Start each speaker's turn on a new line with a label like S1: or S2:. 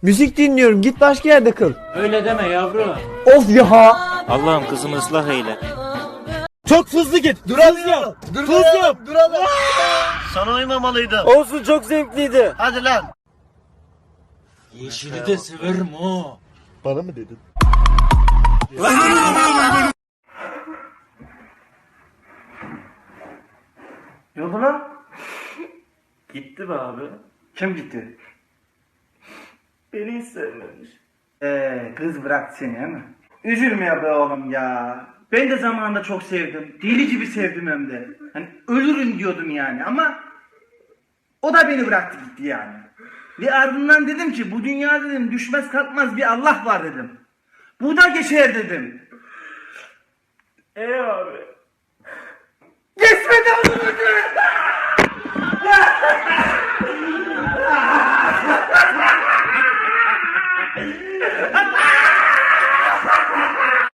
S1: Müzik dinliyorum, git başka yerde kıl.
S2: Öyle deme yavrum.
S1: Of ya.
S2: Allah'ım kızımı ıslah eyle.
S1: Çok hızlı git. Duralım. Duralım.
S3: Sana uymamalıydım.
S1: Olsun, çok zevkliydi.
S3: Hadi lan.
S2: Yeşili de severim o.
S3: Bana mı dedin?
S4: Ne oldu lan?
S2: Gitti be abi.
S4: Kim gitti?
S2: Beni hiç sevmemiş.
S4: Kız bıraktı seni değil mi? Üzülme ya be oğlum ya. Ben de zamanında çok sevdim. Deli gibi sevdim hem de. Hani ölürüm diyordum yani ama o da beni bıraktı gitti yani. Ve ardından dedim ki bu dünya dedim düşmez kalkmaz bir Allah var dedim. Bu da geçer dedim.
S2: Abi.
S4: Geçmedi oğlum.